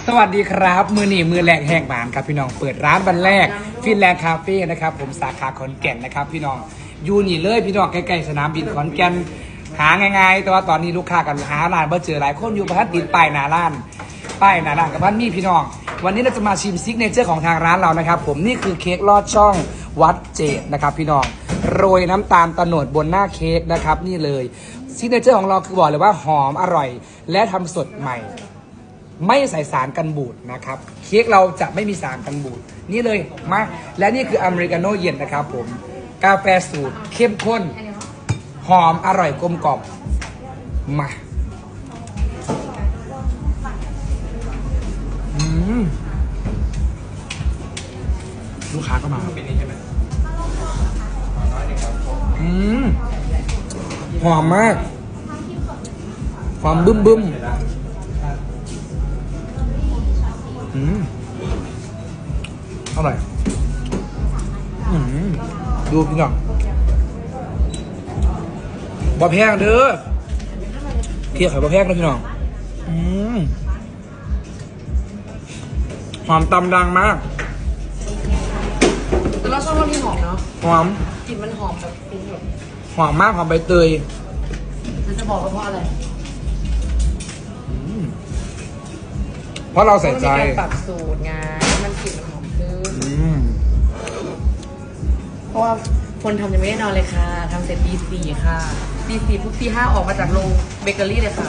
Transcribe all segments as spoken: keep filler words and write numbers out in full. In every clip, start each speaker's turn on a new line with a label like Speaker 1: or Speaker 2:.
Speaker 1: สวัสดีครับมือหนีมือแรกแห่งบ้านครับพี่น้องเปิดร้านวันแรกฟินแลนด์คาเฟ่นะครับผมสาขาขอนแก่นนะครับพี่น้องอยู่นี่เลยพี่น้องใกล้ๆสนามบินขอนแก่นหาง่ายๆแต่ว่าตอนนี้ลูกค้ากันหาร้านเบอร์เจอหลายคนอยู่ประทัดติดป้ายหน้าร้านป้ายหน้าร้านกับพันมีพี่น้องวันนี้เราจะมาชิมซิกเนเจอร์ของทางร้านเรานะครับผมนี่คือเค้กลอดช่องวัดเจดนะครับพี่น้องโรยน้ำตาลตะโนดบนหน้าเค้กนะครับนี่เลยซิกเนเจอร์ของเราคือบอกเลยว่าหอมอร่อยและทำสดใหม่ไม่ใส่สารกันบูดนะครับเค้กเราจะไม่มีสารกันบูดนี่เลยมาและนี่คืออเมริกาโน่เย็นนะครับผมกาแฟสูตรเข้มข้นหอมอร่อยกลมกล่อมมาอืมลูกค้าก็มาอืมหอมมากความบึ้มบึ้มอืมอร่อยอืมดูพี่น้องบะแพงเด้อเคี่ยวไข่บะแพงนะพี่น้องอืมหอมตำดังมาก
Speaker 2: แต่เราชอบรสที่หอมเนาะ
Speaker 1: หอม
Speaker 2: กลิ่นมันหอมแบบฟุ้งแบบ
Speaker 1: หอมมากหอมใบเตย
Speaker 2: มันจะบอกว่าเพราะอะไร
Speaker 1: เพราะเราใส่ใจ
Speaker 2: การปรับสูตรไงมันกลิ่นมันหอมขึ้นเพราะว่าคนทำยังไม่ได้นอนเลยค่ะทำเสร็จตีสี่ค่ะตีสี่ปุ๊บตีห้าออกมาจากโรงเบเกอรี่เลยค่ะ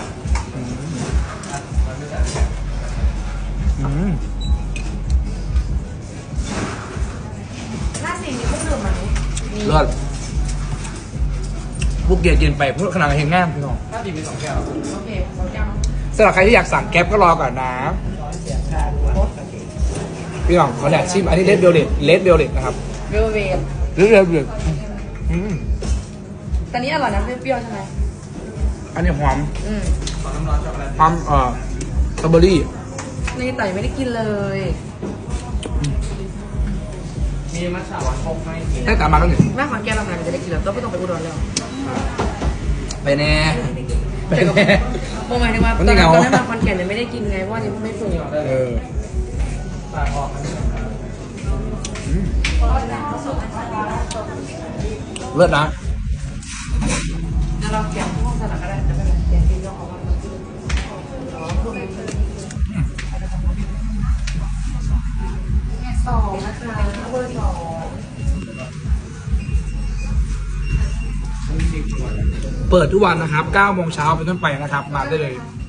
Speaker 2: หน้าสี่มีเครื่องดื่มไหม
Speaker 1: เลิศบุกเกียร์กินไปเพื่อขนาดเฮงง่ามพี่น้อง
Speaker 2: หน้าสี่มีสองแก้วโอเคสองแก้ว
Speaker 1: สำหรับใครที่อยากสั่งแก๊ปก็รอก่อนนะพี่น้องเขาแดกชิมอันนี้เลดเบลเลตเลดเบลเลตนะครับ
Speaker 2: เวลเวท
Speaker 1: เลดเบลเลต
Speaker 2: ตอนนี้อร่อยนะเปรี้ยวใช่ไหม
Speaker 1: อันนี้หอม
Speaker 2: อืม
Speaker 1: หอมเอ่อสตรอเบอรี่
Speaker 2: นี่แต่ไม่ได้กินเลยมีมัทฉะหวานคงไหม
Speaker 1: ได้กลับมาแล้วนี่
Speaker 2: แม่ขอนแก่นเราหายจะได้กินแล้วต้องไม่ต้องไปอุดรแล้ว
Speaker 1: ไปแน่
Speaker 2: ไปแน่โมหมายถึงว่าตอนนั้นตอนนั้นมาขอนแก่นเนี่ยไม่ได้กินไงเพราะว่ายังไม่ปรุง
Speaker 1: เออเลิศนะ
Speaker 2: แล้วเราเก็บพวกสลัดก็ได้จะเป็นแบบเก็บที่เราเอามาสองนะคะเบอร์สอง
Speaker 1: เปิดทุกวันนะครับเก้าโมงเช้าเป็นต้นไปนะครับมาได้เลย